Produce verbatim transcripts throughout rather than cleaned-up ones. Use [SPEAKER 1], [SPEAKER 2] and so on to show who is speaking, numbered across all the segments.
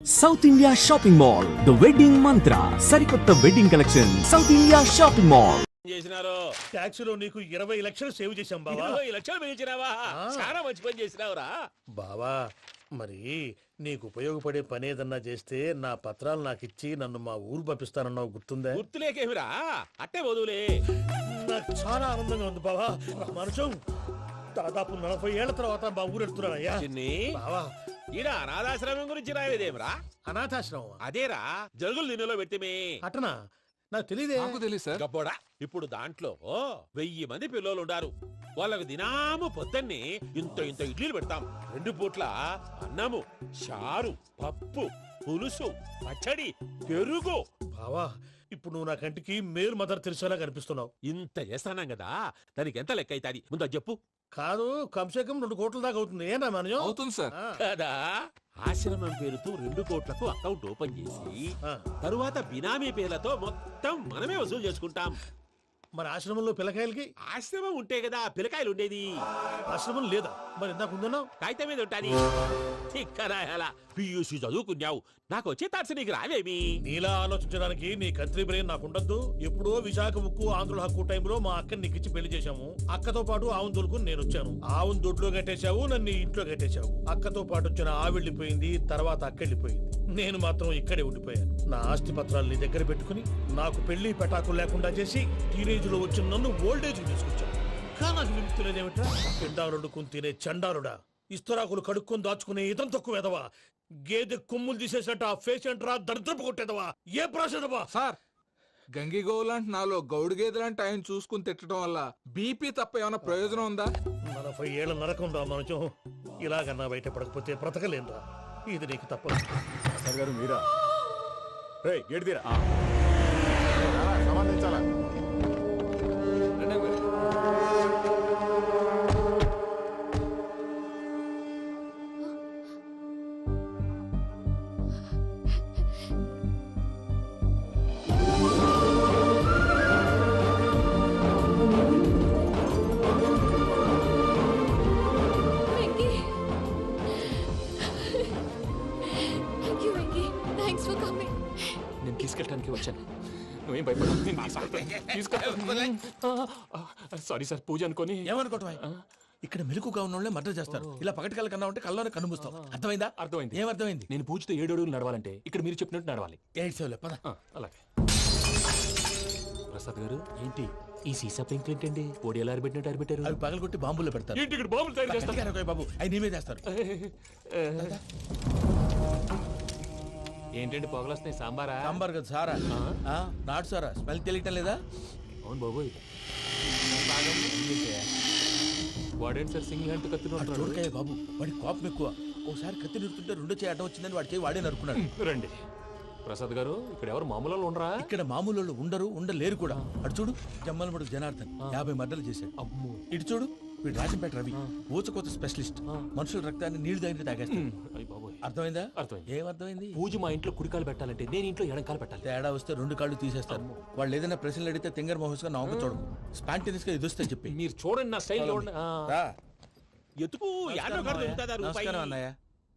[SPEAKER 1] South India shopping mall the wedding Mantra సరికొత్త wedding collection south India shopping mall
[SPEAKER 2] చేసినారు
[SPEAKER 3] tax లో నీకు ఇరవై లక్షలు సేవ్ చేశాం బావా.
[SPEAKER 2] ఇరవై లక్షలు మిగిల్చినావా? చాలా మంచి పని చేసినావురా
[SPEAKER 3] బావా మరి నీకు ఉపయోగపడే పని ఏదన్నా చేస్తే నా పత్రాలు నాకు ఇచ్చి నన్ను మా ఊరు పంపిస్తానన్నావు గుర్తుందా?
[SPEAKER 2] గుర్తులేకేమిరా, అట్టే వదులే.
[SPEAKER 3] నాకు చాలా ఆనందంగా ఉంది బావా. మనుషం దాదాపు నలభై ఏళ్ల తర్వాత మా ఊరు వెళ్తున్నానయ్యా.
[SPEAKER 2] చిన్ని
[SPEAKER 3] బావా
[SPEAKER 2] ఈడ అనాథాశ్రమం గురించి రాయలేదేమిరా?
[SPEAKER 3] అనాథాశ్రమం
[SPEAKER 2] అదేరా జరుగులు దీనిలో పెట్టిమే.
[SPEAKER 3] అటనా? నాకు తెలియదే.
[SPEAKER 4] నాకు తెలియదు సార్.
[SPEAKER 2] గబ్బోడా, ఇప్పుడు దాంట్లో వెయ్యి మంది పిల్లలు ఉండారు. వాళ్ళకు దినాము పొద్దున్నే ఇంత ఇంత ఇడ్లీలు పెడతాం. రెండు పూట్ల అన్నము, చారు, పప్పు, పులుసు, పచ్చడి, పెరుగు.
[SPEAKER 3] బావా ఇప్పుడు నువ్వు నా కంటికి మేలు మదర్ తెలిసేలా కనిపిస్తున్నావు.
[SPEAKER 2] ఇంత చేస్తానం కదా, దానికి ఎంత లెక్క అవుతుంది ముందు అది చెప్పు.
[SPEAKER 3] కాదు కంసే కం రెండు కోట్ల దాకా అవుతుంది. ఏనా మనజం?
[SPEAKER 4] అవుతుంది సార్.
[SPEAKER 3] ఆ,
[SPEAKER 2] కదా, ఆశ్రమం పేరుతో రెండు కోట్లకు అకౌంట్ ఓపెన్ చేసి
[SPEAKER 3] ఆ.
[SPEAKER 2] తరువాత బినామీ పేర్లతో మొత్తం మనమే వసూలు చేసుకుంటాం.
[SPEAKER 3] మరి ఆశ్రమంలో పిల్లకాయలకి?
[SPEAKER 2] ఆశ్రమం ఉంటే కదా పిల్లకాయలు ఉండేది.
[SPEAKER 3] ఆశ్రమం లేదా? మరి ఇందాక ఉందన్నావు.
[SPEAKER 2] కాగితం మీద ఉంటాది. తిక్కరాయాలా, పియూసీ చదువుకున్నావు, నాకు వచ్చే తాట్స్ నీకు రావేమి?
[SPEAKER 3] నీలా ఆలోచించడానికి నీ కత్రి బ్రెయిన్ నాకు ఉండద్దు. ఎప్పుడో విశాఖ ఉక్కు ఆంధ్రుల హక్కు టైంలో మా అక్కని నీకు ఇచ్చి పెళ్లి చేశాము. అక్కతో పాటు ఆవును దొడుకుని నేను వచ్చాను. ఆవును దొడ్లో కట్టేశావు, నన్ను ఇంట్లో కట్టేశావు. అక్కతో పాటు వచ్చిన ఆవిళ్ళిపోయింది, తర్వాత అక్కెళ్ళిపోయింది. నేను మాత్రం ఇక్కడే ఉండిపోయాను. నా ఆస్తి పత్రాలు నీ దగ్గర పెట్టుకుని నాకు పెళ్లి పెటాకులు లేకుండా చేసి టీనేజ్ లో వచ్చిన నన్ను ఓల్డేజ్ తీసుకొచ్చాను. కానీ నాకు విముక్తి లేదేమిట్రా? పిండారుడుకుని తినే చండారుడా, ఇస్తరాకులు కడుక్కొని దాచుకునే ఇతం తక్కువ ఎదవా, గేదె కొమ్ములు తీసేసట ఆ పేషెంట్ రా దరిద్రపు కొట్టేదవా, ఏ ప్రాసెదవా?
[SPEAKER 4] సార్ గంగి గోవులాంటి నాలో గౌడు గేదెలాంటి ఆయన చూసుకుని తిట్టడం వల్ల బీపీ తప్ప ఏమైనా ప్రయోజనం ఉందా?
[SPEAKER 3] నలభై ఏళ్ళ నరకం రా మనచం. ఇలాగన్నా బయట పడకపోతే బ్రతకలేనురా. ఇది నీకు తప్పదు.
[SPEAKER 5] సార్ గారు మీరా? రే గేట్ తీరా. సమాధించాలా?
[SPEAKER 6] Venky. Thank you, Venky. Thanks for coming.
[SPEAKER 7] నేను తీసుకెళ్ళడానికి వచ్చాను. నువ్వేం భయపడవు. సారీ సార్, పూజ అనుకోని.
[SPEAKER 8] ఏమనుకోవటం? ఇక్కడ మెలుకుగా ఉన్న వాళ్ళే మర్డర్ చేస్తారు. ఇలా పగటి కళ్ళ కన్నా ఉంటే కళ్ళలోనే కనుమూస్తాం. అర్థమైందా?
[SPEAKER 7] అర్థమైంది.
[SPEAKER 8] ఏమర్థమైంది?
[SPEAKER 7] నేను పూజతో ఏడు అడుగులు నడవాలంటే ఇక్కడ మీరు చెప్పినట్టు నడవాలి.
[SPEAKER 8] ఎయిట్ సెవెన్ పద.
[SPEAKER 7] ఆ, అలాగే. ప్రసాద్ గారు, ఏంటి ఈ సీసా పెంకులు ఏంటండి? పొడి ఎలా అరబెట్టినట్టు అరబెట్టారు?
[SPEAKER 8] అవి పగలగొట్టి బాంబుల్లో పెడతారు.
[SPEAKER 7] ఏంటి ఇక్కడ బాంబులు తయారు చేస్తారు?
[SPEAKER 8] గట్టిగా అరవై బాబు, అవి నీవే చేస్తారు.
[SPEAKER 7] ఏంటండి పొగలు వస్తున్నాయి? సాంబారా?
[SPEAKER 8] సాంబార్ కదా సారా? ఆ, నాటు సారా. స్మెల్ తెలియటం లేదా?
[SPEAKER 7] అవును బాబోయ్. వాడేంటి సార్ సింగిల్ హ్యాండ్ కత్తిని
[SPEAKER 8] చూడకాయ బాబు, వాడి కోపం ఎక్కువ. ఒకసారి కత్తి నిరుతుంటే రెండో చేయి అడ్డం వచ్చిందని వాడి చేయి వాడే నరుకున్నాడు.
[SPEAKER 7] రండి. ప్రసాద్ గారు, ఇక్కడ ఎవరు మామూలు వాళ్ళు ఉండరా?
[SPEAKER 8] ఇక్కడ మామూలు వాళ్ళు ఉండరు, ఉండలేరు కూడా. అటు చూడు, జమ్మలమడుగు జనార్దన్ యాభై మర్డర్లు చేశాడు.
[SPEAKER 7] అమ్మో.
[SPEAKER 8] ఇటు చూడు, వీడు రాజంపేట రవి ఊచకోత స్పెషలిస్ట్. మనుషుల రక్తాన్ని నీళ్లు దగ్గర తాగేస్తాడు.
[SPEAKER 7] అయ్య బాబోయ్.
[SPEAKER 8] అర్థమైందా?
[SPEAKER 7] అర్థమైంది.
[SPEAKER 8] ఏమర్థమైంది?
[SPEAKER 7] పూజ మా ఇంట్లో కుడికాలు పెట్టాలంటే నేను ఇంట్లో ఎడంకాలు పెట్టాలి.
[SPEAKER 8] తేడా వస్తే రెండు కాళ్ళు తీసేస్తారు. వాళ్ళు ఏదైనా ప్రశ్నలు అడిగితే తింగర్ మహోస్ గా నవ్వు చూడకు. స్పాంటినియస్ గా ఎదుస్తా చెప్పి.
[SPEAKER 7] మీరు చూడండి నా స్టైల్.
[SPEAKER 8] రా.
[SPEAKER 2] ఎతుకు యాడో కాడ దొరుకుతుందా రూపాయి?
[SPEAKER 8] నమస్కారం అన్నయ్య.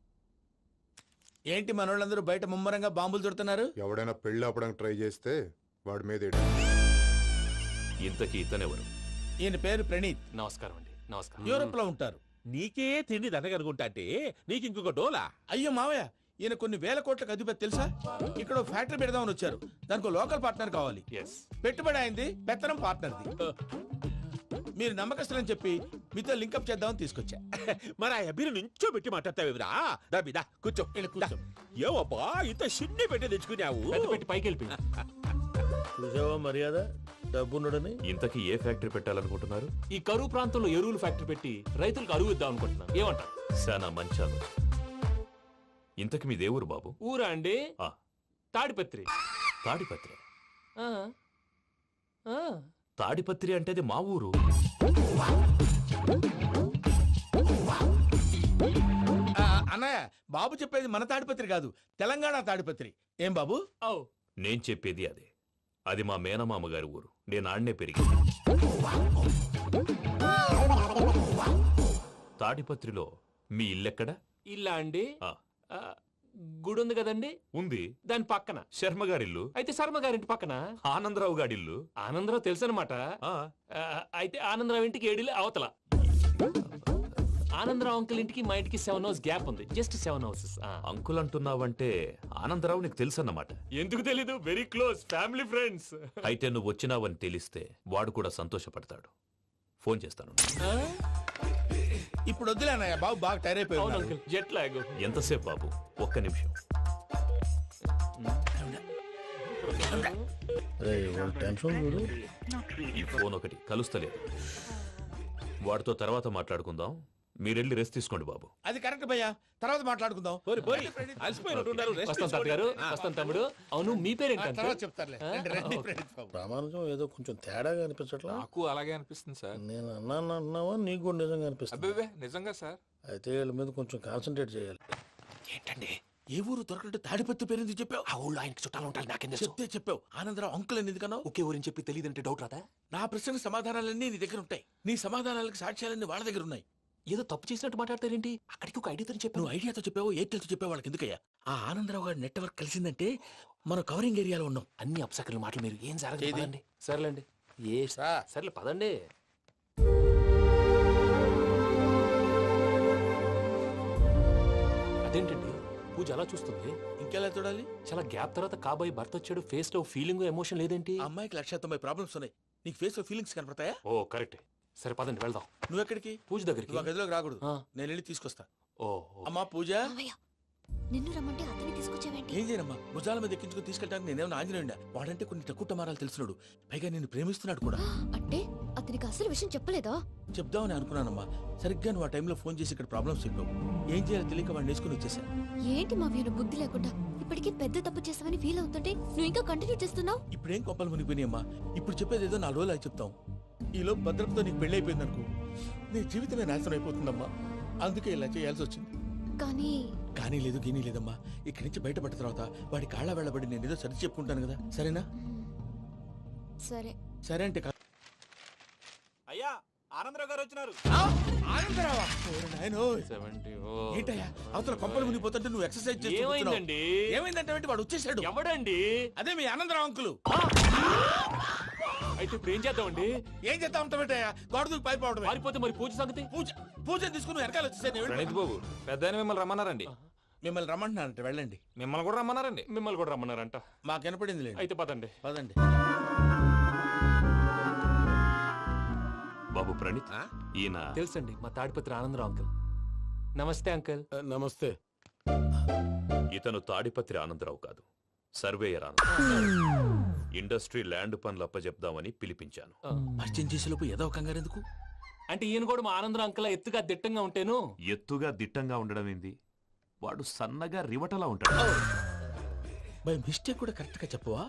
[SPEAKER 8] ఏంటి మనోళ్ళందరూ బయట ముమ్మరంగా బాంబులు దొరుకుతున్నారు?
[SPEAKER 5] ఎవడైనా పెళ్లి ఆపడానికి ట్రై చేస్తే వాడి మీద ఎడు.
[SPEAKER 9] ఇంతకీ ఇతనెవరు?
[SPEAKER 8] ఈయన పేరు ప్రణీత్.
[SPEAKER 7] నమస్కారం అండి. నమస్కారం.
[SPEAKER 8] యూరోప్ లో ఉంటారు.
[SPEAKER 2] నీకే తిండి దండగనుకుంటా అంటే నీకు ఇంకొక డోలా?
[SPEAKER 8] అయ్యో మావయ్య, ఈయన కొన్ని వేల కోట్లకు అధిపతి తెలుసా? ఇక్కడ ఓ ఫ్యాక్టరీ పెడదామని వచ్చారు. దానికి లోకల్ పార్ట్నర్ కావాలి.
[SPEAKER 7] ఎస్.
[SPEAKER 8] పెట్టుబడి అయింది, పెత్తనం పార్ట్నర్ది. మీరు నమ్మకస్తులని చెప్పి మీతో లింకప్ చేద్దామని తీసుకొచ్చా.
[SPEAKER 2] మరి ఆ అబ్బిని నుంచో పెట్టి మాట్లాడతావేమిరా? దాబిదా కూర్చో.
[SPEAKER 8] ఇలా కూర్చో.
[SPEAKER 2] ఏవబ్బా ఇంత సిన్ని పెట్టి తెచ్చుకున్నావు?
[SPEAKER 7] పెద్ద పెట్టి పైకి వెళ్ళిపోయి.
[SPEAKER 3] చూసావా మర్యాద డబ్బున్నడని?
[SPEAKER 9] ఇంతకీ ఏ ఫ్యాక్టరీ పెట్టాలనుకుంటున్నారు?
[SPEAKER 7] ఈ కరువు ప్రాంతంలో ఎరువులు ఫ్యాక్టరీ పెట్టి రైతులకు అరువు ఇద్దాం అనుకుంటున్నాను. ఏమంటారు?
[SPEAKER 9] శానా మంచాలు. ఇంతకి మీ దేవురు బాబు?
[SPEAKER 7] ఊరా అండి?
[SPEAKER 9] ఆ.
[SPEAKER 7] తాడిపత్రి.
[SPEAKER 9] తాడిపత్రి.
[SPEAKER 7] ఆ. ఆ.
[SPEAKER 9] తాడిపత్రి అంటే అది మా ఊరు.
[SPEAKER 8] ఆ, అన్నయ్య, బాబు చెప్పేది మన తాడిపత్రి కాదు, తెలంగాణ తాడిపత్రి. ఏం బాబు?
[SPEAKER 7] ఓ.
[SPEAKER 9] నేను చెప్పేది అదే. అది మా మేనమామ గారి ఊరు. నేను ఆడనే పెరిగింది. తాడిపత్రిలో మీ ఇల్లెక్కడ?
[SPEAKER 7] ఇల్లా అండి?
[SPEAKER 9] ఆ.
[SPEAKER 7] ఆ, గుడి ఉంది కదండి
[SPEAKER 9] ఉంది.
[SPEAKER 7] దాని పక్కన.
[SPEAKER 9] శర్మ గారిల్లు.
[SPEAKER 7] అయితే శర్మ గారింటి పక్కన.
[SPEAKER 9] ఆనందరావు గారిల్లు.
[SPEAKER 7] ఆనందరావు తెలుసు అనమాట.
[SPEAKER 9] ఆ,
[SPEAKER 7] అయితే ఆనందరావు ఇంటికి ఏడిలే అవతల. ఆనందరావు అంకుల్ ఇంటికి మా ఇంటికి సెవెన్ హౌస్ గ్యాప్ ఉంది. Just seven houses.
[SPEAKER 9] అంకుల్ అంటున్నావంటే ఆనందరావు నీకు తెలుసన్నమాట.
[SPEAKER 7] ఎందుకు తెలీదు? Very close family friends.
[SPEAKER 9] అయితే నువ్వు వచ్చినావని తెలిస్తే వాడు కూడా సంతోషపడతాడు. ఫోన్ చేస్తాను.
[SPEAKER 8] ఇప్పుడు వద్దులే అన్నయ్య, బాబు బాగా టైర్ అయిపోయి
[SPEAKER 7] అవును
[SPEAKER 8] ఉన్నాడు.
[SPEAKER 7] Uncle, jet lag.
[SPEAKER 9] ఎంతసేపు బాబు? ఒక్క నిమిషం. ఈ ఫోన్ ఒకటి కలుస్తలేదు. వాడితో తర్వాత మాట్లాడుకుందాం. మీరెళ్ళి రెస్ట్ తీసుకోండి బాబు.
[SPEAKER 8] అది కరెక్ట్ భయ్యా, తర్వాత మాట్లాడుకుందాం.
[SPEAKER 2] పోరి పోరి అలసిపోయినట్టున్నారు. రెస్ట్
[SPEAKER 7] వస్తాం తాత గారు, వస్తాం తమ్ముడు. అవును మీ పేరేంటి
[SPEAKER 8] ఆ,
[SPEAKER 7] అంకుల్?
[SPEAKER 8] తర్వాత చెప్తారులే. రండి, రండి,
[SPEAKER 7] ఓకే.
[SPEAKER 8] ప్రణీత్ బాబు.
[SPEAKER 5] ప్రామాణికం ఏదో కొంచెం తేడాగా అనిపించట్లా.
[SPEAKER 4] నాకు అలాగే అనిపిస్తుంది సార్.
[SPEAKER 5] నేను అన్నాను అన్నావా నీకు కూడా నిజంగా అనిపిస్తుంది.
[SPEAKER 4] అబ్బే నిజంగా సార్.
[SPEAKER 5] అయితే వీళ్ళ మీద కొంచెం కాన్సన్ట్రేట్ చేయాలి.
[SPEAKER 8] ఏంటండి ఏ ఊరు దొరకట్టు తాడిపత్రి పేరు ఎందుకు చెప్పావు?
[SPEAKER 7] ఆ ఊళ్ళో ఆయనకి చుట్టాలు ఉంటారు, నాకేం తెలుసు.
[SPEAKER 8] చెప్తే చెప్పావు. ఆనందరావు అంకుల్ అని ఎందుకన్నావు?
[SPEAKER 7] ఒకే ఊరిని చెప్పి తెలియదంటే డౌట్ రాదా?
[SPEAKER 8] నా ప్రశ్నకు సమాధానాలన్నీ నీ దగ్గర ఉంటాయి. నీ సమాధానాలకు సాక్ష్యాలన్నీ వాళ్ళ దగ్గర ఉన్నాయి.
[SPEAKER 7] ఏదో తప్పు చేసినట్టు మాట్లాడతారేంటి? అక్కడికి ఒక ఐడియాతో చెప్పాను.
[SPEAKER 8] నువ్వు ఐడియాతో చెప్పావు, ఎయిర్టెల్తో చెప్పావు, వాళ్ళకి ఎందుకయ్యా? ఆ ఆనందరావు గారి నెట్వర్క్ కలిసిందంటే మనం కవరింగ్ ఏరియాలో ఉన్నాం.
[SPEAKER 7] అన్ని అప్సకర్ల మాటలు మీరు ఏం జరగదు.
[SPEAKER 8] ఏది?
[SPEAKER 7] పదండి. సర్లేండి. ఏ సర్లే పదండి. అదేంటండి పూజ అలా చూస్తుంది?
[SPEAKER 8] ఇంకెలా చూడాలి?
[SPEAKER 7] చాలా గ్యాప్ తర్వాత కాబోయే భర్త వచ్చాడు. ఫేస్ లో ఫీలింగ్ ఎమోషన్ లేదేంటి?
[SPEAKER 8] ఆ అమ్మాయికి లక్ష తొంభై ప్రాబ్లమ్స్ ఉన్నాయి. నీకు ఫేస్ లో ఫీలింగ్స్ కనపడతాయా?
[SPEAKER 7] ఓ కరెక్ట్. సరే పదండి వెళ్దాం.
[SPEAKER 8] నువ్వు ఎక్కడికి?
[SPEAKER 7] పూజ దగ్గరికి.
[SPEAKER 8] నువ్వు ఆ గదిలోకి రాకూడదు.
[SPEAKER 7] ఆ.
[SPEAKER 8] నేను వెళ్ళి తీసుకొస్తా.
[SPEAKER 7] ఓ
[SPEAKER 8] అమ్మా పూజ,
[SPEAKER 6] మావయ్య నిన్ను రమ్మంటే అతన్ని తీసుకొచ్చావేంటి?
[SPEAKER 8] ఏం చేయనమ్మా? భుజాల మీద ఎక్కించుకుని తీసుకెళ్ళడానికి నేనేమన్నా ఆంజనేయుడా? వాడంటే కొన్ని తక్కువ టమారాలు తెలిసినాడు. పైగా నేను ప్రేమిస్తున్నాడు కూడా.
[SPEAKER 6] అంటే అతనికి అసలు విషయం చెప్పలేదా?
[SPEAKER 8] చెప్దామని అనుకున్నానమ్మా. సరిగ్గా నువ్వు ఆ టైంలో ఫోన్ చేసి ఇక్కడ ప్రాబ్లమ్స్ చెప్పావు. ఏం చేయాలో తెలియక వాడిని వేసుకుని వచ్చేసా.
[SPEAKER 6] ఏంటి మావయ్య నువ్వు బుద్ధి లేకుండా ఇప్పటికీ పెద్ద తప్పు చేసావని ఫీల్ అవుతుంటే నువ్వు ఇంకా కంటిన్యూ చేస్తున్నావు?
[SPEAKER 8] ఇప్పుడేం కొప్పలు మునిగిపోయినాయమ్మా. ఇప్పుడు చెప్పేది ఏదో నాలుగు రోజులు అది చెప్తాం. ఈలో భద్రతతో నీకు పెళ్లి అయిపోయింది అనుకో, నీ జీవితమే నాశనం అయిపోతుందమ్మా. అందుకే ఇలా చేయాల్సి వచ్చింది.
[SPEAKER 6] కానీ
[SPEAKER 8] కానీ లేదు గీనీ లేదమ్మా. ఇక్కడి నుంచి బయటపడ్డ తర్వాత వాడి కాళ్ళ వెళ్ళబడి నేను ఏదో సరి చెప్పుకుంటాను కదా. సరేనా?
[SPEAKER 6] సరే.
[SPEAKER 8] సరే అంటే కా-
[SPEAKER 7] అయ్యా ఆనందరావు గారు వచ్చినారు.
[SPEAKER 8] ఆ! ఆనందరావా? ఓరి నాయనోయ్.
[SPEAKER 7] సెవెంటీ.
[SPEAKER 8] ఏంటయ్యా అవతల కొంపలు మునిగిపోతుంటే నువ్వు ఎక్సర్సైజ్ చేస్తూ కూర్చున్నావు.
[SPEAKER 7] ఏమైందండి?
[SPEAKER 8] ఏమైందంటే ఏంటి? వాడు వచ్చేసాడు.
[SPEAKER 7] ఎవడండి?
[SPEAKER 8] అదే మీ ఆనందరావు అంకులు.
[SPEAKER 7] అయితే ఇప్పుడు ఏం చేద్దామండి?
[SPEAKER 8] ఏం చేస్తా ఉంటావేటయ్యా? గోడ దూకి పైపోవడమే.
[SPEAKER 7] పారిపోతే మరి పూజ సంగతి?
[SPEAKER 8] పూజ పూజ తీసుకుని నువ్వు వెనకాల వచ్చేసాను.
[SPEAKER 4] ప్రణీత్ బాబు పెద్ద మిమ్మల్ని రమ్మన్నారండి.
[SPEAKER 8] మిమ్మల్ని రమ్మంటున్నారంట, వెళ్ళండి.
[SPEAKER 4] మిమ్మల్ని కూడా రమ్మన్నారండి.
[SPEAKER 7] మిమ్మల్ని కూడా రమ్మన్నారంట.
[SPEAKER 8] మాకు వినపడింది లేదు.
[SPEAKER 7] అయితే పదండి.
[SPEAKER 8] పదండి.
[SPEAKER 9] బాబు ప్రణీత్,
[SPEAKER 2] ఆ?
[SPEAKER 9] ఈయన
[SPEAKER 7] తెలుసండి మా తాడిపత్రి ఆనందరావు అంకుల్. నమస్తే అంకుల్.
[SPEAKER 5] నమస్తే.
[SPEAKER 9] ఇతను తాడిపత్రి ఆనందరావు కాదు, సర్వేయర్ ఆనందరావు. ఇండస్ట్రీ ల్యాండ్ పనులు అప్పచెప్దామని పిలిపించాను.
[SPEAKER 7] ఆ,
[SPEAKER 8] పరిచయం చేసేలోపు ఏదో కంగారు ఎందుకు?
[SPEAKER 7] అంటే ఈయన కూడా మా ఆనందరావు అంకుల్ ఎత్తుగా దిట్టంగా ఉంటాను.
[SPEAKER 9] ఎత్తుగా దిట్టంగా ఉండడం ఏంది? వాడు సన్నగా రివటలా ఉంటాడు.
[SPEAKER 8] బై మిస్టేక్ కూడా కరెక్ట్ గా చెప్పవా?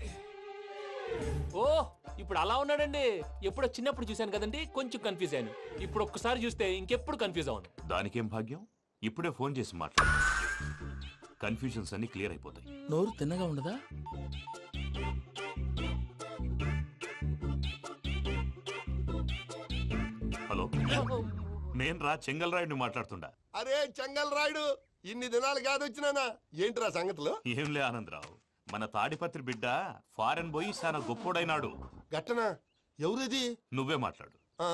[SPEAKER 7] ఓ ఇప్పుడు అలా ఉన్నాడండి. ఎప్పుడో చిన్నప్పుడు చూశాను కదండి, కొంచెం కన్ఫ్యూజ్ అయ్యాను. ఇప్పుడు ఒక్కసారి చూస్తే ఇంకెప్పుడు కన్ఫ్యూజ్ అవును.
[SPEAKER 9] దానికేం భాగ్యం? ఇప్పుడే ఫోన్ చేసి మాట్లాడు. కన్ఫ్యూజన్స్ అన్ని క్లియర్ అయిపోతాయి.
[SPEAKER 8] నోరు తిన్నగా ఉండదా?
[SPEAKER 9] హలో, నేను రా చెంగల్రాయుడిని మాట్లాడుతుండా.
[SPEAKER 10] అరే చెంగల్ రాయుడు, ఇన్ని దినాలు కాదు వచ్చినానా? ఏంట్రా సంగతులు?
[SPEAKER 9] ఏంలే ఆనందరావు, మన తాడిపత్రి బిడ్డ ఫారెన్ పోయి చాలా గొప్పోడైనాడు.
[SPEAKER 10] గట్టనా? ఎవరిది?
[SPEAKER 9] నువ్వే మాట్లాడు.
[SPEAKER 10] ఆ,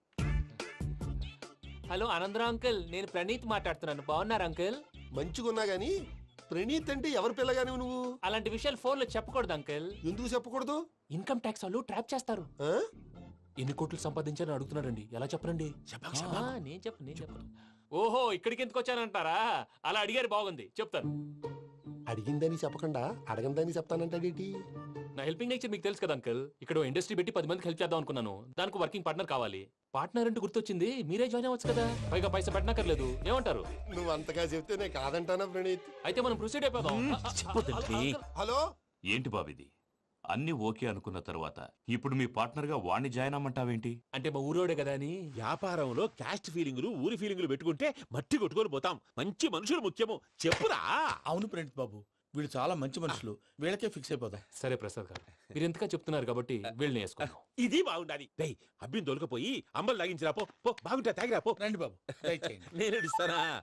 [SPEAKER 7] హలో ఆనందరావు అంకుల్, నేను ప్రణీత్ మాట్లాడుతున్నాను. బాగున్నారు అంకుల్?
[SPEAKER 10] మంచిగున్నా గాని ప్రణీత్ అంటే ఎవరి పిల్లగాని నువ్వు?
[SPEAKER 7] అలాంటి విషయాలు ఫోన్ లో చెప్పకూడదు అంకుల్.
[SPEAKER 10] ఎందుకు చెప్పకూడదు?
[SPEAKER 7] ఇన్కమ్ ట్యాక్స్ వాళ్ళు ట్రాప్ చేస్తారు.
[SPEAKER 10] ఆ?
[SPEAKER 7] ఎన్ని కోట్లు సంపాదించాలని అడుగుతున్నారండి. ఎలా చెప్పరండి?
[SPEAKER 8] చెప్పకు,
[SPEAKER 7] ఆ,
[SPEAKER 8] చెప్పకు.
[SPEAKER 7] నేను చెప్పను నేను చెప్పను. ఓహో ఇక్కడికి ఎందుకు వచ్చానంటారా? అలా అడిగారు, బాగుంది, చెప్తాను.
[SPEAKER 10] అడిగిందని చెప్పకుండా అడగందని చెప్తానంటాడేటి?
[SPEAKER 7] నా హెల్పింగ్ నేచర్ మీకు తెలుసు కదా అంకుల్. ఇక్కడ ఇండస్ట్రీ పెట్టి పది మందికి హెల్ప్ చేద్దాం అనుకున్నాను. దానికి వర్కింగ్ పార్ట్నర్ కావాలి. పార్ట్నర్ అంటే గుర్తొచ్చింది, మీరే జాయిన్ అవ్వచ్చు కదా. పైగా పైసా పెట్టనక్కర్లేదు. ఏమంటారు?
[SPEAKER 10] నువ్వు అంతగా చెప్తే నేను కాదంటానా ప్రణీత్?
[SPEAKER 7] అయితే మనం ప్రొసీడ్ అయిపోదాం.
[SPEAKER 8] చెప్పొద్దండి.
[SPEAKER 10] హలో,
[SPEAKER 9] ఏంటి బాబిది? అన్ని ఓకే అనుకున్న తర్వాత ఇప్పుడు మీ పార్ట్నర్ గా వాణ్ణి జాయిన్ అమ్మంటావేంటి?
[SPEAKER 7] అంటే మా ఊరోడే కదా అని.
[SPEAKER 2] వ్యాపారంలో క్యాస్ట్ ఫీలింగులు ఊరి ఫీలింగులు పెట్టుకుంటే మట్టి కొట్టుకొని పోతాం. మంచి మనుషులు ముఖ్యము. చెప్పురా.
[SPEAKER 8] అవును ప్రణీత్ బాబు, వీళ్ళు చాలా మంచి మనుషులు. వీళ్ళకే ఫిక్స్ అయిపోదాం.
[SPEAKER 7] సరే ప్రసాద్ గారు, మీరు ఎంతగా చెప్తున్నారు కాబట్టి వీళ్ళని వేసుకుందాం.
[SPEAKER 2] ఇది బాగుండాలి. డై అబ్బిని దొలకపోయి అంబలు తాగించిరా పో. పో బాగుంటా తాగిరా పో.
[SPEAKER 8] రండి బాబు, దయచేయండి.
[SPEAKER 2] నేను ఇస్తానా?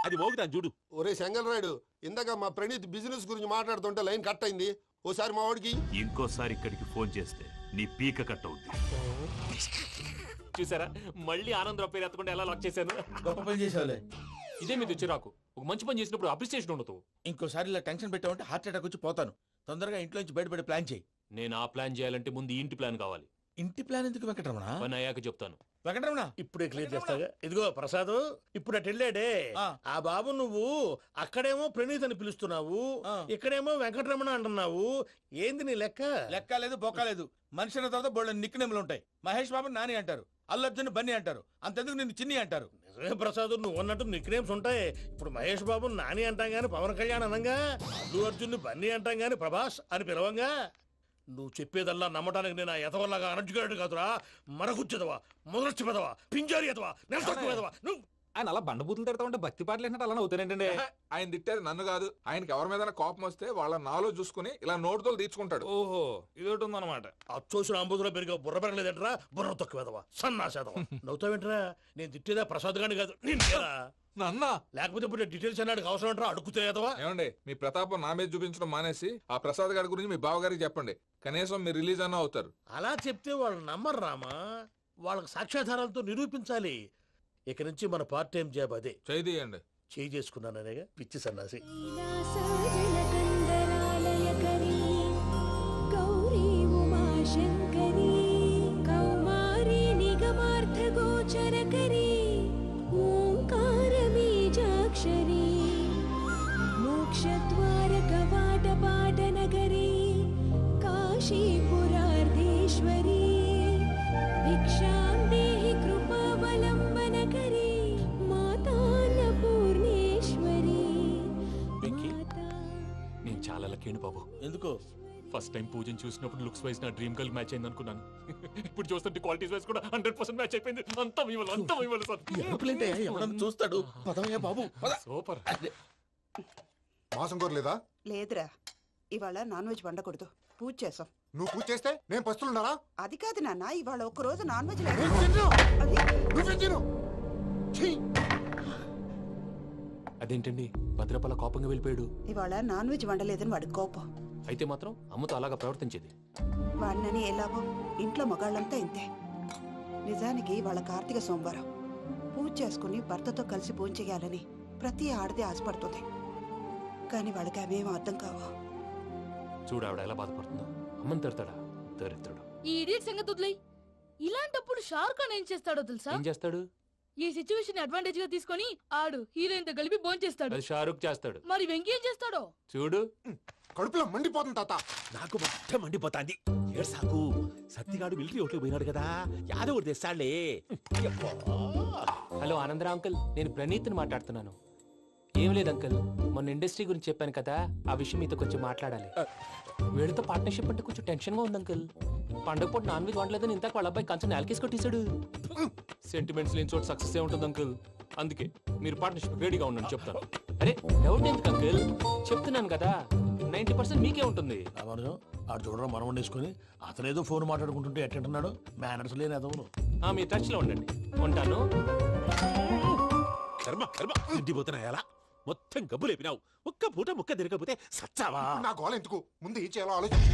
[SPEAKER 2] అది మోగుతాను చూడు.
[SPEAKER 10] ఒరే సెంగల్ రాయుడు, ఇందాక మా ప్రణీత్ బిజినెస్ గురించి మాట్లాడుతుంటే లైన్ కట్ అయింది. ఓసారి మా వాడికి
[SPEAKER 9] ఇంకోసారి ఇక్కడికి ఫోన్ చేస్తే నీ పీక కట్ అవుద్ది.
[SPEAKER 7] చూసారా మళ్ళీ ఆనందరావు పేరు ఎత్తకుండా ఎలా లాక్ చేశాను.
[SPEAKER 8] గొప్ప పని చేసావులే.
[SPEAKER 7] ఇదే మీద చిరాకు. ఒక మంచి పని చేసినప్పుడు అప్రిసియేషన్ ఉండదు.
[SPEAKER 8] ఇంకోసారి ఇలా టెన్షన్ పెట్టామంటే హార్ట్ అటాక్ వచ్చి పోతాను. తొందరగా ఇంట్లో నుంచి బయటపడే ప్లాన్ చేయి.
[SPEAKER 7] నేను ఆ ప్లాన్ చేయాలంటే ముందు ఈ ఇంటి ప్లాన్ కావాలి.
[SPEAKER 8] ఇంటి ప్లాన్ ఎందుకు వెంకటరమణ?
[SPEAKER 7] పని అయ్యాక చెప్తాను.
[SPEAKER 8] వెంకటరమణ
[SPEAKER 3] ఇప్పుడే క్లియర్ చేస్తాగా. ఇదిగో ప్రసాద్, ఇప్పుడు అటు వెళ్ళాడే
[SPEAKER 8] ఆ.
[SPEAKER 3] ఆ బాబు, నువ్వు అక్కడేమో ప్రణీత్ అని పిలుస్తున్నావు,
[SPEAKER 8] ఆ.
[SPEAKER 3] ఇక్కడేమో వెంకటరమణ అంటున్నావు. ఏంది నీ లెక్క?
[SPEAKER 8] లెక్క లేదు బొక్క లేదు. మనిషి అన్న తర్వాత బోళ్ళ నిక్నెములు ఉంటాయి. మహేష్ బాబు నాని అంటారు, అల్లు అర్జున్ బన్నీ అంటారు, అంతెందుకు నిన్ను చిన్ని అంటారు.
[SPEAKER 3] నిజమే ప్రసాద్, నువ్వు అన్నట్టు నిక్నేమ్స్ ఉంటాయి. ఇప్పుడు మహేష్ బాబు నాని అంటాం గాని పవన్ కళ్యాణ్ అనంగా, అల్లు అర్జున్ బన్నీ అంటాం గాని ప్రభాస్ అని పిలవంగా. నువ్వు చెప్పేదల్లా నమ్మటానికి నేను ఎతవల్లాగా అనర్జుకేటెడ్ కాదురా. మరగుచ్చదవా, మొదలచ్చి పెదవా, పింజారి ఎదవా, నెలసొక్కు పెదవా నువ్వు.
[SPEAKER 4] ఆయన అలా బండబూతులు తిడతా ఉంటే భక్తి పాటలు ఏంటంటే అలా అవుతానంటే. ఆయన తిట్టేది నన్ను కాదు, ఆయనకి ఎవరి మీద కోపం వస్తే వాళ్ళ నాలో చూసుకుని ఇలా నోటుతో తీర్చుకుంటాడు.
[SPEAKER 3] ఓహో, ఇదొకటి ఉందన్నమాట. అచ్చోసిన అంబుధులో పెరిగే బుర్ర పెరగలేదంటరా, బుర్ర తొక్కువేదవా, సన్నాసేదవా. నవ్వుతావేంట్రా? నేను తిట్టేదా ప్రసాద్ గాని కాదు, నిన్నేరా.
[SPEAKER 4] నన్నా
[SPEAKER 3] లేకపోతే ఇప్పుడు డీటెయిల్స్ అన్నాడు అవసరం అంటారా? అడుగుతాయేదవా.
[SPEAKER 4] ఏమండి, మీ ప్రతాపం నా మీద చూపించడం మానేసి ఆ ప్రసాద్ గారి గురించి మీ బావగారికి చెప్పండి. కనీసం మీరు రిలీజ్ అన్న అవుతారు.
[SPEAKER 3] అలా చెప్తే వాళ్ళు నమ్మరు రామా. వాళ్ళకి సాక్ష్యాధారాలతో నిరూపించాలి. ఇక నుంచి మన పార్ట్ టైం జాబ్ అదే.
[SPEAKER 4] చేయండి.
[SPEAKER 3] చేయి చేసుకున్నాననేగా పిచ్చి సన్నాసి.
[SPEAKER 6] కైలాసజలకందరాలయకరీ గౌరీ ఉమాశంకరీ కౌమారీ నిగమార్థగోచరకరీ ఓంకారబీజాక్షరీ మోక్షద్వారకవాటపాటనగరీ కాశీపురార్ధేశ్వరీ భిక్షాం దేహి కృపావలంబనకరీ మాతాన్నపూర్ణేశ్వరీ.
[SPEAKER 7] వెంకీ, నేను చాలా లక్కీని బాబు.
[SPEAKER 8] ఎందుకు?
[SPEAKER 7] ఫస్ట్ టైం పూజను చూసినప్పుడు లుక్స్ వైజ్ నా డ్రీమ్ గర్ల్ మ్యాచ్ అయింది అనుకున్నాను. ఇప్పుడు చూస్తుంటే క్వాలిటీస్ వైజ్ కూడా హండ్రెడ్ పర్సెంట్ మ్యాచ్ అయిపోయింది. అంతా ఇవ్వాలి, అంతా ఇవ్వాలి సార్.
[SPEAKER 8] ఎరుపులేంటే ఎవడన్నా చూస్తాడు. పదవయ్యా బాబు పద.
[SPEAKER 7] సూపర్.
[SPEAKER 5] మాసం కోరలేదా?
[SPEAKER 11] లేదురా, ఇవాళ నాన్ వెజ్ వండకూడదు, పూజ చేసాం.
[SPEAKER 5] నువ్వు పూజ చేస్తే నేను పస్తులున్నారా?
[SPEAKER 11] అది కాదు నాన్న, ఇవాళ ఒక్క రోజు నాన్ వెజ్ లేదు. అది
[SPEAKER 5] నువ్వే తిను. ఛీ!
[SPEAKER 7] అదేంటండి భద్రపల కోపంగా వెళ్ళిపోయాడు?
[SPEAKER 11] ఇవాళ నాన్ వెజ్ వండలేదని వాడి కోపం.
[SPEAKER 7] అయితే మాత్రం అమ్మతో అలాగా ప్రవర్తించేది.
[SPEAKER 11] వాడినని ఎలాగో ఇంట్లో మగాళ్ళంతా ఇంతే. నిజానికి వాళ్ళ కార్తీక సోమవారం పూజ చేసుకుని భర్తతో కలిసి పూజ చేయాలని ప్రతి ఆడది ఆశపడుతుంది. కానీ వాళ్ళకి అవేం అర్థం కావు.
[SPEAKER 7] చూడు ఆవిడ ఎలా బాధపడుతుందో. అమ్మని తిడతాడా దరిద్రుడు.
[SPEAKER 6] ఈ ఇడియట్ సంగతి వదిలేయ్. ఇలాంటప్పుడు షారుఖ్ ఖాన్ ఏం చేస్తాడో తెలుసా?
[SPEAKER 7] ఏం చేస్తాడు?
[SPEAKER 6] ఈ సిచ్యువేషన్ అడ్వాంటేజ్ గా తీసుకొని ఆడు హీరోయిన్ తో కలిపి బోన్ చేస్తాడు.
[SPEAKER 7] అది షారుఖ్ చేస్తాడు.
[SPEAKER 6] మరి వెంకీ ఏం చేస్తాడో
[SPEAKER 9] చూడు.
[SPEAKER 5] కడుపులో మండిపోతుంది తాత.
[SPEAKER 2] నాకు మొత్తం మండిపోతాంది. ఏడు సాకు, సత్తిగాడు మిలిటరీ ఒకటి పోయినాడు కదా, యాదవ్ ఒకటి తెస్తాడులే.
[SPEAKER 7] హలో ఆనందరా అంకుల్, నేను ప్రణీత్ని మాట్లాడుతున్నాను. ఏం లేదు అంకుల్, మొన్న ఇండస్ట్రీ గురించి చెప్పాను కదా, ఆ విషయం మీతో కొంచెం మాట్లాడాలి. వీళ్ళతో పార్ట్నర్షిప్ అంటే కొంచెం టెన్షన్ గా ఉంది అంకుల్. పండగ పూట నాన్ వెజ్ వండలేదని ఇంతకు వాళ్ళ అబ్బాయి కంచెం నేలకేసి కొట్టేశాడు. సెంటిమెంట్స్ లేని చోట సక్సెస్ ఏ ఉంటుంది అంకుల్. అందుకే మీరు పార్ట్నర్షిప్ రెడీగా ఉండండి చెప్తాను. అరే డౌట్ ఎందుకు అంకుల్, చెప్తున్నాను కదా, నైన్టీ పర్సెంట్ మీకే ఉంటుంది.
[SPEAKER 3] రామానుజం ఆడు చూడడం మనం వండేసుకుని అతనేదో ఫోన్ మాట్లాడుకుంటుంటే ఎట్టంటున్నాడు. మేనర్స్ లేని అదవును.
[SPEAKER 7] ఆ మీ టచ్ లో ఉండండి, ఉంటాను.
[SPEAKER 2] కర్మ కర్మ ఇంటిపోతున్నా ఎలా మొత్తం గబ్బు లేపినావు. ఒక్క పూట ముక్క తిరగకపోతే సచ్చావా?
[SPEAKER 5] నా గోల ఎందుకు, ముందు ఏం చేయాలో ఆలోచించు.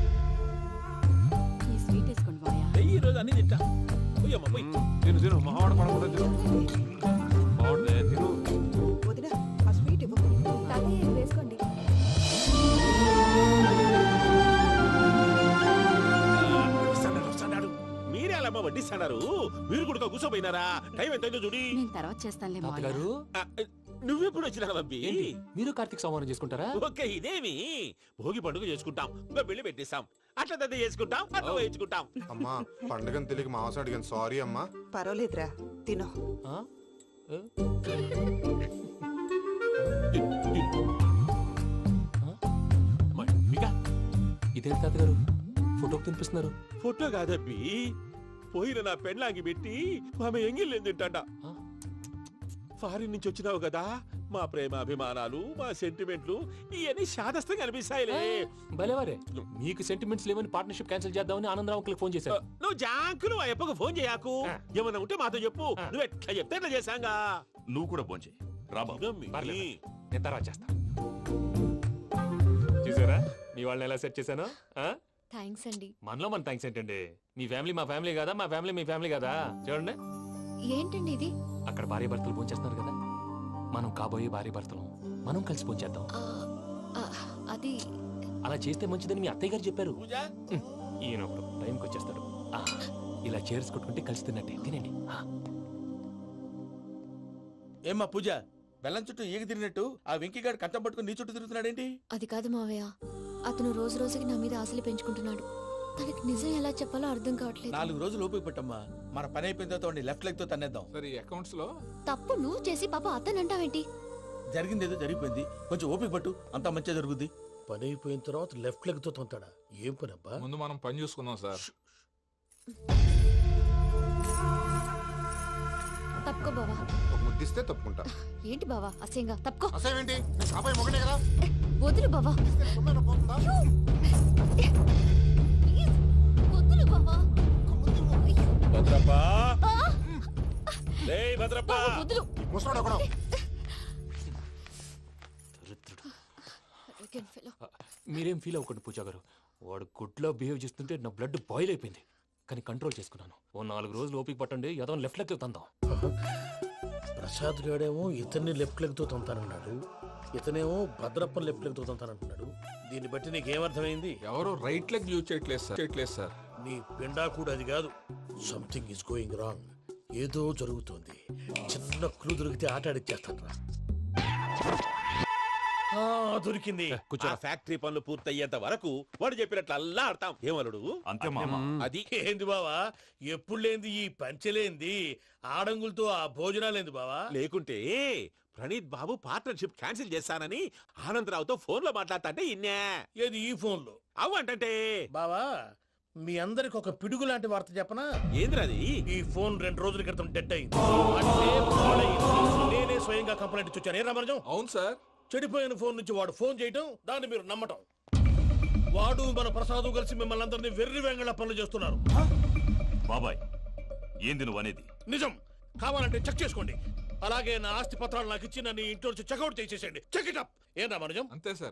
[SPEAKER 6] ఈ స్వీట్ వేసుకోండి మాయా.
[SPEAKER 2] ఈ రోజు అన్ని తింటా. పోయమ్మ పోయి.
[SPEAKER 4] తిను తిను మావాడు పడకుండా తిను. మావాడు తిను.
[SPEAKER 11] వదిన ఆ స్వీట్ ఇవ్వు.
[SPEAKER 6] తాతయ్య ఇది వేసుకోండి.
[SPEAKER 2] వస్తాడాడు, వస్తాడాడు. మీరే అలా అమ్మ వడ్డిస్తాడారు. మీరు కూడా కూర్చోపోయినారా? టైం ఎంతైందో చూడి.
[SPEAKER 6] నేను తర్వాత చేస్తానులే మావయ్య.
[SPEAKER 7] తాతగారు
[SPEAKER 2] ఆ, నువ్వెప్పుడు వచ్చినా బంబి?
[SPEAKER 7] ఏంటి మీరు కార్తీక్ సంహారం చేసుకుంటారా?
[SPEAKER 2] ఓకే, ఇదేమి భోగి పండుగ చేసుకుంటాం, ఇంకా పెళ్లి పెట్టేస్తాం, అట్లా దద్ద చేసుకుంటాం, అట్లా వేయించుకుంటాం.
[SPEAKER 5] అమ్మా పండుగని తెలియక మాంసం అడిగాను, సారీ అమ్మా.
[SPEAKER 11] పర్వాలేదురా, తినో.
[SPEAKER 7] ఆ? ఏ?
[SPEAKER 2] మమ్మిగా
[SPEAKER 7] ఇదేంటి తాతగారు ఫోటోకి తినిపిస్తున్నారు?
[SPEAKER 2] ఫోటో కాదబ్బి, పోయిన నా పెళ్ళాంగి పెట్టి ఆమె ఎంగిల్లేం తింటాడ.
[SPEAKER 7] ఆ?
[SPEAKER 2] ఫారిన్ నుంచి వచ్చినావు కదా, మా ప్రేమ అభిమానాలు, మా సెంటిమెంట్లు ఇవన్నీ శాదస్తంగా అనిపిస్తాయిలే.
[SPEAKER 7] భలేవారే, మీకు సెంటిమెంట్స్ లేవని పార్ట్నర్షిప్ క్యాన్సిల్ చేద్దామని ఆనందరావు అంకుల్ ఫోన్ చేశారు.
[SPEAKER 2] నువ్వు జాంకులు ఆ అప్పకు ఫోన్ చేయకు. ఏమన్నా ఉంటే మాతో చెప్పు, నువ్వు ఎట్లా చెప్తే ఎట్లా చేశాంగా.
[SPEAKER 9] నువ్వు కూడా ఫోన్ చేయి. రాబాబు
[SPEAKER 2] తినమ్మి.
[SPEAKER 7] పర్లేదు. నేను తర్వాత చేస్తా. చూసారా మీ వాళ్ళని ఎలా సెట్ చేశాను? ఆ?
[SPEAKER 6] థ్యాంక్స్ అండి.
[SPEAKER 7] మనలో మన థ్యాంక్స్ ఏంటండి? మీ ఫ్యామిలీ మా ఫ్యామిలీ కదా, మా ఫ్యామిలీ మీ ఫ్యామిలీ కదా. చూడండి,
[SPEAKER 6] ఏంటండి ఇది?
[SPEAKER 7] అక్కడ భార్య భర్తలు భోంచేస్తున్నారు కదా, మనం కాబోయే భార్య భర్తలు మనం కలిసి భోంచేద్దాం.
[SPEAKER 6] ఆ, ఆ, అది
[SPEAKER 7] అలా చేస్తే మంచిదని మీ అత్తయ్య గారు చెప్పారు.
[SPEAKER 8] పూజ
[SPEAKER 7] హ్మ్. ఈయన ఒకడు టైంకి వచ్చేస్తాడు. ఆ, ఇలా చేర్స్ కొట్టుకుంటే కలిసి తిన్నట్టే. తినండి. ఆ.
[SPEAKER 8] ఏమ్మా పూజ, బెల్లం చుట్టూ ఈగ తిరిగినట్టు ఆ వెంకీగాడు కంచం పట్టుకుని నీ చుట్టూ తిరుగుతున్నాడేంటి?
[SPEAKER 6] అది కాదు మావయ్య, అతను రోజు రోజుకి నా మీద ఆశలు పెంచుకుంటున్నాడు. తనకి నిజం ఎలా చెప్పాలో అర్థం కావట్లేదు.
[SPEAKER 8] నాలుగు రోజులు ఓపిక పట్టమ్మా, మన పని అయిపోయిన తర్వాత వాడిని లెఫ్ట్ లెగ్ తో తన్నేద్దాం.
[SPEAKER 4] సరే ఈ అకౌంట్స్ లో
[SPEAKER 6] తప్పు నువ్వు చేసి పాప అతను అంటావేంటి?
[SPEAKER 8] జరిగింది ఏదో జరిగిపోయింది, కొంచెం ఓపిక పట్టు, అంతా మంచిగా జరుగుద్ది.
[SPEAKER 3] పని అయిపోయిన తర్వాత లెఫ్ట్ లెగ్ తో తొంతాడా? ఏం పని అబ్బా?
[SPEAKER 4] ముందు మనం పని చూసుకుందాం సార్.
[SPEAKER 6] తప్పుకో బావా.
[SPEAKER 10] ఒక ముద్దిస్తే తప్పుకుంటా.
[SPEAKER 6] ఏంటి బావా అసహ్యంగా? తప్పుకో.
[SPEAKER 10] అసేమేంటి అబ్బాయి మొగనే కదా.
[SPEAKER 6] ఏ, వదులు బావా.
[SPEAKER 10] తొమ్మిది పోతుందా?
[SPEAKER 6] ఏ, ప్లీజ్, వదులు బావా.
[SPEAKER 2] భద్రప్ప
[SPEAKER 6] ఆ,
[SPEAKER 2] రేయ్ భద్రప్ప
[SPEAKER 6] బావా, వదులు.
[SPEAKER 10] ముసలోడు ఒకడు.
[SPEAKER 6] Arrogant fellow.
[SPEAKER 7] మీరేం ఫీల్ అవ్వకండి పూజా గారు. వాడు గుడ్లో బిహేవ్ చేస్తుంటే నా బ్లడ్ బాయిల్ అయిపోయింది, కానీ కంట్రోల్ చేసుకున్నాను. ఓ నాలుగు రోజులు ఓపిక పట్టండి, ఏదో లెఫ్ట్ లెగ్ తందాం.
[SPEAKER 3] ప్రసాద్ గాడేమో ఇతన్ని లెఫ్ట్ లెగ్ తో తొంతానన్నాడు, ఇతనేమో భద్రప్పని లెఫ్ట్ లెగ్ తో తొంతానంటున్నాడు. దీన్ని బట్టి నీకేమర్థమైంది?
[SPEAKER 4] ఎవరు రైట్ లెగ్ యూజ్ చేయట్లేదు సార్. చేయట్లేదు సార్.
[SPEAKER 3] నీ పిండా కూడా అది కాదు. Something is going wrong. ఏదో జరుగుతోంది. చిన్న క్లూ దొరికితే ఆట ఆడిచ్చేస్తాను రా. ఆ, దొరికింది.
[SPEAKER 2] ఆ ఫ్యాక్టరీ పనులు పూర్తయ్యేంత వరకు వాడు చెప్పినట్లు అల్లా ఆడతాం. ఏమలుడు
[SPEAKER 9] అంతే మామ.
[SPEAKER 2] అది
[SPEAKER 3] ఏంది బావా, ఎప్పుడు లేంది ఈ పంచలేంది, ఆడంగులతో ఆ భోజనాలేంది బావా?
[SPEAKER 2] లేకుంటే ప్రణీత్ బాబు పార్ట్నర్షిప్ క్యాన్సిల్ చేస్తానని ఆనందరావుతో ఫోన్ లో మాట్లాడతాంటే ఇన్నే.
[SPEAKER 3] ఏది ఈ ఫోన్ లో?
[SPEAKER 2] అవ్వంటే
[SPEAKER 3] బావా, మీ అందరికి ఒక పిడుగు లాంటి వార్త చెప్పనా?
[SPEAKER 2] ఏంద్రది?
[SPEAKER 3] ఈ ఫోన్ రెండు రోజుల క్రితం డెడ్ అయింది. అంటే పాడైంది. నేనే స్వయంగా కంప్లైంట్ ఇచ్చి వచ్చాను. ఏ రామరాజం?
[SPEAKER 4] అవును సార్.
[SPEAKER 3] చెడిపోయిన ఫోన్ నుంచి వాడు ఫోన్ చేయటం, దాన్ని మీరు నమ్మటం. వాడు మన ప్రసాదు కలిసి మిమ్మల్ని అందరినీ వెర్రి వెంగళ పనులు చేస్తున్నారు.
[SPEAKER 9] బాబాయ్ ఏంది నువ్వు అనేది?
[SPEAKER 3] నిజం. కావాలంటే చెక్ చేసుకోండి. అలాగే నా ఆస్తి పత్రాలు నాకు ఇచ్చి నన్ను ఇంట్లో నుంచి చెక్అౌట్ చేసేసండి. Check it up. ఏం రామరాజం?
[SPEAKER 4] అంతే సార్.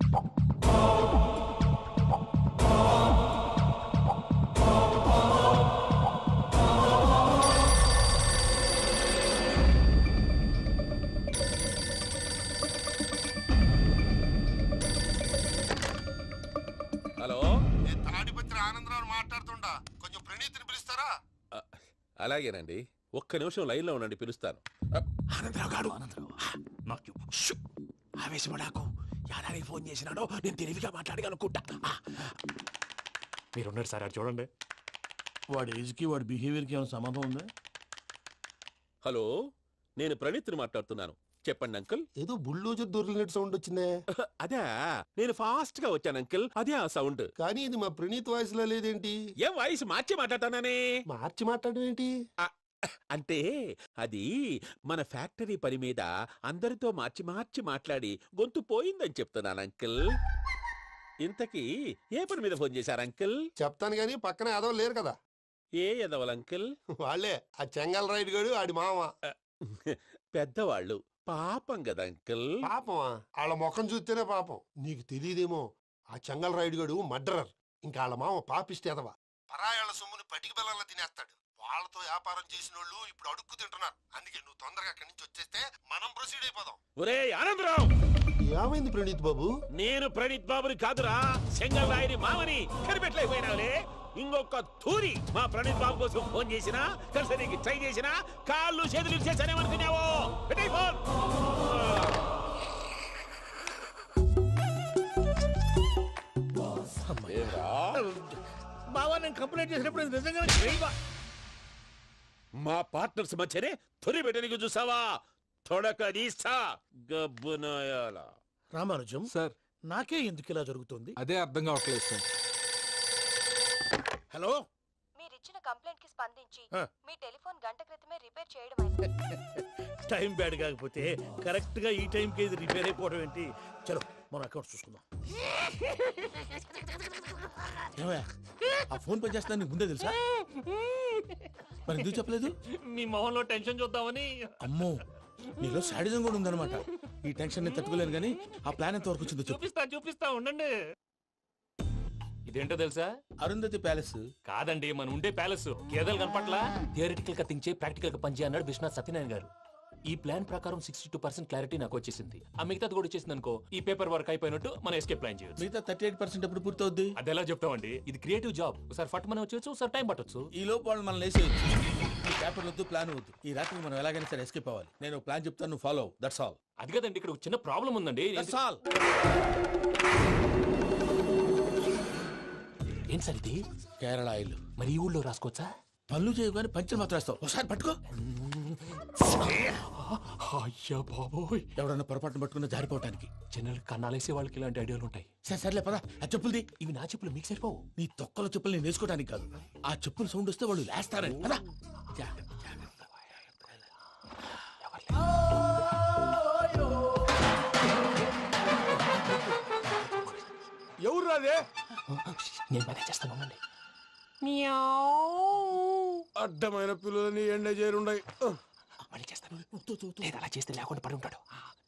[SPEAKER 2] హలో,
[SPEAKER 10] నేను తాడిపత్రి ఆనందరావు మాట్లాడుతుండా. కొంచెం ప్రణీతిని పిలుస్తారా?
[SPEAKER 2] అలాగేనండి. ఒక్క నిమిషం లైన్ లో ఉండండి, పిలుస్తాను. ఆనందరావు గాడు.
[SPEAKER 9] నాకు
[SPEAKER 2] షూ! ఆవేశపడాకు. యాదానికి ఫోన్ చేసినాడో నేను తెలివిగా మాట్లాడగలనుకుంటా.
[SPEAKER 7] మీరున్నారు సార్, అది చూడండి.
[SPEAKER 3] వాడి ఏజ్ కి వాడి బిహేవియర్ కి ఏమైనా సంబంధం ఉందా?
[SPEAKER 2] హలో, నేను ప్రణీత్ని మాట్లాడుతున్నాను. చెప్పండి అంకుల్.
[SPEAKER 10] ఏదో బుల్డోజర్ దొరికినట్టు సౌండ్ వచ్చిందే.
[SPEAKER 2] అదే, నేను ఫాస్ట్ గా వచ్చాను అంకుల్. అదే ఆ సౌండ్.
[SPEAKER 10] కానీ ఇది మా ప్రణీత్ వాయిస్ లో లేదేంటి?
[SPEAKER 2] ఏం వాయిస్ మార్చి మాట్లాడతానని?
[SPEAKER 10] మార్చి మాట్లాడడం ఏంటి?
[SPEAKER 2] అంటే అది మన ఫ్యాక్టరీ పని మీద అందరితో మార్చి మార్చి మాట్లాడి గొంతు పోయిందని చెప్తున్నాను అంకుల్. ఇంతకీ ఏ పని మీద ఫోన్ చేశారు అంకుల్?
[SPEAKER 10] చెప్తాను గానీ పక్కన ఏదో లేరు కదా.
[SPEAKER 2] ఏ ఎదవల్ అంకుల్?
[SPEAKER 10] వాళ్ళే ఆ చెంగల్ రైడ్ గడు ఆడి మామ.
[SPEAKER 2] పెద్దవాళ్ళు పాపం కదా అంకుల్.
[SPEAKER 10] పాపమా? వాళ్ళ ముఖం చూస్తేనే పాపం. నీకు తెలియదేమో, ఆ చెంగల్ రైడ్ గడు మర్డరర్. ఇంకా వాళ్ళ మామ పాపిస్తేదవా. పరాయాళ్ళ సొమ్ముని పటికి బెల్లంలో తినేస్తాడు. వాళ్ళతో వ్యాపారం చేసిన వాళ్ళు ఇప్పుడు అడుక్కు తింటున్నారు. అందుకే నువ్వు తొందరగా అక్కడి నుంచి వచ్చేస్తే మనం ప్రొసీడ్ అయిపోదాం.
[SPEAKER 2] ఒరే ఆనందరావు,
[SPEAKER 10] ఏమైంది ప్రణీత్ బాబు?
[SPEAKER 2] నేను ప్రణీత్ బాబుని కాదురా, సెంగల్ రాయని మామని. కనిపెట్టలేకపోయినావులే. ఇంకొక తూరి మా ప్రణీత్ బాబు కోసం ఫోన్ చేసినా, కలిసి ట్రై చేసినా కాళ్ళు చేతులు చేశానేమనుకున్నావో. పెట్టేయ్ ఫోన్.
[SPEAKER 3] బావా, నేను కంప్లైంట్ చేసినప్పుడు ఇది నిజంగానే చేయవా?
[SPEAKER 2] మా పార్ట్నర్స్ మధ్యనే తొలి పెట్టడానికి చూసావా? తొడక నీస్తా గబ్బునాయాల.
[SPEAKER 3] రామానుజం
[SPEAKER 4] సార్.
[SPEAKER 3] నాకే ఎందుకు ఇలా జరుగుతుంది?
[SPEAKER 4] అదే అర్థం కావట్లేదు సార్.
[SPEAKER 3] హలో,
[SPEAKER 6] మీరిచ్చిన కంప్లైంట్ కి స్పందించి
[SPEAKER 3] ఆ.
[SPEAKER 6] మీ టెలిఫోన్ గంట క్రితమే రిపేర్ చేయడం.
[SPEAKER 3] టైం బ్యాడ్ కాకపోతే కరెక్ట్ గా ఈ టైం కి ఇది రిపేర్ అయిపోవడం ఏంటి? చలో మన అకౌంట్ చూసుకుందాం.
[SPEAKER 8] ఏమయ్యా, ఆ ఫోన్ పనిచేస్తున్నా నీకు ముందే తెలుసా? మరి ఎందుకు చెప్పలేదు?
[SPEAKER 7] మీ మొహంలో టెన్షన్ చూద్దామని.
[SPEAKER 8] అమ్మో, నీలో శాడిజం కూడా ఉందన్నమాట. ఈ టెన్షన్ నేను తట్టుకోలేను కానీ ఆ ప్లాన్ ఎంత వరకు వచ్చిందో చెప్పు.
[SPEAKER 7] చూపిస్తా చూపిస్తా ఉండండి. ఇదేంటో తెలుసా?
[SPEAKER 8] అరుంధతి ప్యాలెస్
[SPEAKER 7] కాదండి, మన ఉండే ప్యాలెస్. గేదెలు కనపట్లా? థియరిటికల్ గా థింక్ చేయి, ప్రాక్టికల్ గా పనిచేయి అన్నాడు విశ్వనాథ్ సత్యనారాయణ గారు. ఈ ప్లాన్ ప్రకారం సిక్స్టీ టూ పర్సెంట్ క్లారిటీ నాకు వచ్చేసింది. ఆ మిగతాది కూడా వచ్చేసింది అనుకో, ఈ పేపర్ వర్క్ అయిపోయినట్టు మనం ఎస్కేప్ ప్లాన్ చేయొచ్చు.
[SPEAKER 8] మిగతా థర్టీ ఎయిట్ పర్సెంట్ ఎప్పుడు పూర్తవుద్ది?
[SPEAKER 7] అది ఎలా చెప్తామండి? ఇది క్రియేటివ్ జాబ్. ఒకసారి ఫట్ మనం వచ్చేచ్చు, ఒకసారి టైం పట్టొచ్చు.
[SPEAKER 8] ఈ లోపు వాళ్ళు మనం లేసేయచ్చు. ఈ పేపర్ వద్దు, ప్లాన్ వద్దు. ఈ రాత్రి మనం ఎలాగైనా సరే ఎస్కేప్ అవ్వాలి. నేను ప్లాన్ చెప్తాను, నువ్వు ఫాలో. That's all.
[SPEAKER 7] అది కదండి, ఇక్కడ ఒక చిన్న ప్రాబ్లం ఉందండి.
[SPEAKER 8] That's all.
[SPEAKER 7] ఏం సార్ ఇది?
[SPEAKER 8] కేరళ ఆయిల్.
[SPEAKER 7] మరి ఈ ఊళ్ళో రాసుకోవచ్చా?
[SPEAKER 8] పనులు చేయగానే పంచర్ మాత్రం వేస్తావు. ఒకసారి పట్టుకో.
[SPEAKER 7] అయ్యా బాబోయ్,
[SPEAKER 8] ఎవడన్నా పొరపాటున పట్టుకున్న జారిపోవటానికి.
[SPEAKER 7] జనరల్ కన్నాలేసే వాళ్ళకి ఇలాంటి ఐడియాలు ఉంటాయి.
[SPEAKER 8] సరే సర్లే పదా. ఆ చెప్పులది.
[SPEAKER 7] ఇవి నా చెప్పులు, మీకు సరిపోవు.
[SPEAKER 8] నీ తొక్కల చెప్పులు నేను వేసుకోవడానికి కాదు, ఆ చెప్పులు సౌండ్ వస్తే వాళ్ళు లేస్తారని. పదా.
[SPEAKER 5] ఎవరు రాదే?
[SPEAKER 7] నేను మేనేజ్ చేస్తాను, ఉండండి.
[SPEAKER 5] అడ్డమైన పిల్లలని ఎండ చేరుండయి.
[SPEAKER 7] మళ్ళీ చేస్తాను. లేదు, అలా చేస్తే లేకుండా పడి ఉంటాడు.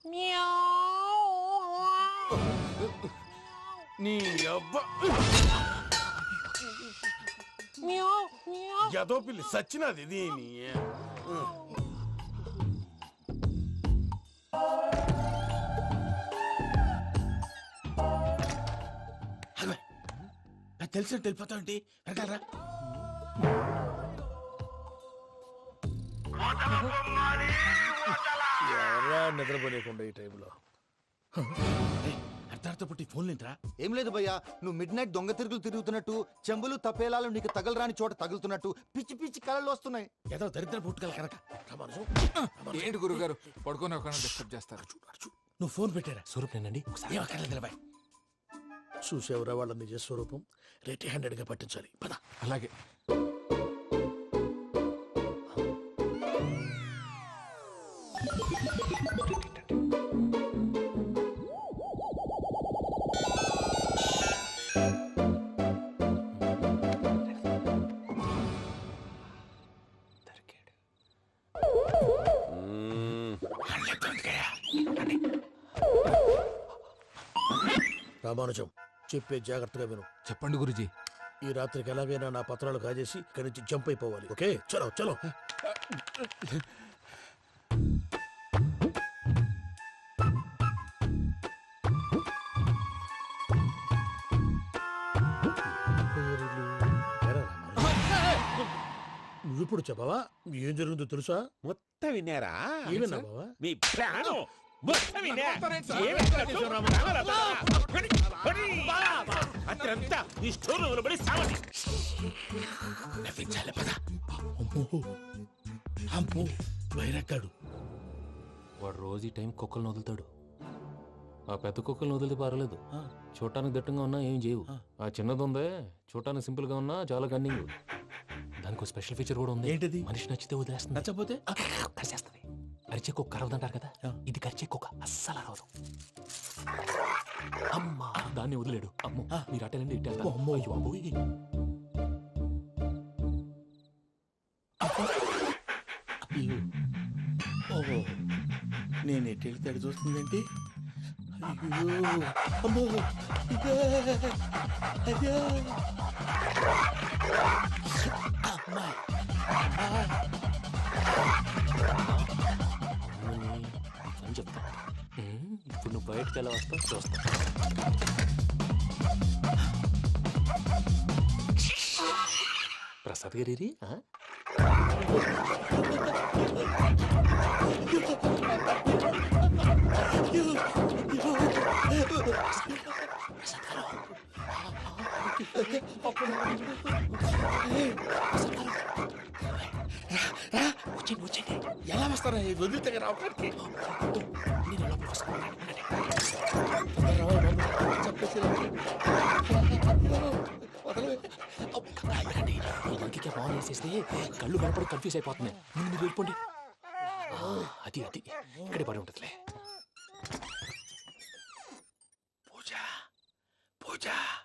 [SPEAKER 5] నీ అబ్బా ఎదో పిల్లి సచ్చినది దీని.
[SPEAKER 8] తెలిసినట్టు వెళ్ళిపోతావంటి. వెనకాలరా.
[SPEAKER 3] ఎవరా నిద్రపోలేకుండా ఈ టైంలో?
[SPEAKER 8] అర్ధార్థ పుట్టి ఫోన్ లేంట్రా.
[SPEAKER 12] ఏం లేదు భయ్యా, నువ్వు మిడ్ నైట్ దొంగ తిరుగులు తిరుగుతున్నట్టు, చెంబులు తపేలాలు నీకు తగలరాని చోట తగులుతున్నట్టు పిచ్చి పిచ్చి కళలు వస్తున్నాయి.
[SPEAKER 8] ఏదో దరిద్ర పుట్టుకల కనుక.
[SPEAKER 4] ఏంటి గురుగారు పడుకొని ఒక డిస్టర్బ్ చేస్తారు?
[SPEAKER 8] నువ్వు ఫోన్ పెట్టారా?
[SPEAKER 7] స్వరూప్ నేనండి.
[SPEAKER 8] ఏమక్కర్లేదు బాయ్. చూసేవరా వాళ్ళ నిజ స్వరూపం. రెట్టి హ్యాండెడ్ గా పట్టించాలి. పద.
[SPEAKER 4] అలాగే.
[SPEAKER 8] రామానుజం, చెప్పే జాగ్రత్తగా విను.
[SPEAKER 4] చెప్పండి గురుజీ.
[SPEAKER 8] ఈ రాత్రికి ఎలాగైనా నా పత్రాలు కాజేసి ఇక్కడి నుంచి జంప్ అయిపోవాలి. ఓకే, చలో చలో. నువ్వు ఇప్పుడు చెప్పవా ఏం జరుగుతుందో తెలుసా?
[SPEAKER 2] మొత్తం విన్నారా?
[SPEAKER 8] ఏమన్నా బావా?
[SPEAKER 2] మీ ప్లాను మొత్తం విన్నా. అత్రంతా ఈ స్టోర్ రూమ్ లో పడి సావండి.
[SPEAKER 8] నవ్వించాలి పద. అమ్మో అమ్మో వైరక్కాడు.
[SPEAKER 7] వాడు రోజు ఈ టైం కుక్కలను వదులుతాడు. ఆ పెద్ద కుక్కలను వదిలితే పర్లేదు, చూడటానికి దట్టంగా ఉన్నా ఏం చేయవు. ఆ చిన్నది ఉందే, చూడటానికి సింపుల్ గా ఉన్నా చాలా కన్నింగ్. దానికి ఒక స్పెషల్ ఫీచర్ కూడా ఉంది.
[SPEAKER 8] ఏంటిది?
[SPEAKER 7] మనిషి నచ్చితే వదిలేస్తుంది,
[SPEAKER 8] నచ్చపోతే
[SPEAKER 7] కరిచేస్తుంది. అరిచే కుక్క అరవదంటారు కదా, ఇది కరిచే కుక్క అస్సలు అరవదు. అమ్మా, దాన్ని వదిలేడు. అమ్మో, మీరు అటెండి ఇట్టేస్తారు.
[SPEAKER 8] అమ్మో.
[SPEAKER 7] అయ్యో అబ్బోయ్.
[SPEAKER 8] ఓహో, నేను ఎటు వెళ్తాడు చూస్తుందేంటి? అయ్యో అమ్మో, ఇదే, అయ్యో. అమ్మా.
[SPEAKER 7] అని చెప్తా. ఇప్పుడు నువ్వు బయటకు ఎలా వస్తావు చూస్తా. ప్రసాద్ గారి వచ్చేయండి వచ్చేయండి.
[SPEAKER 8] ఎలా వస్తారా వదిలితే రావడానికి?
[SPEAKER 7] ఇంకే బాగా వేసేస్తే కళ్ళు కనపడి కన్ఫ్యూజ్ అయిపోతున్నాయి. ముందు మీరు వెళ్ళిపోండి. అది అది ఇక్కడే పడి ఉంటుందిలే.
[SPEAKER 8] పూజ పూజ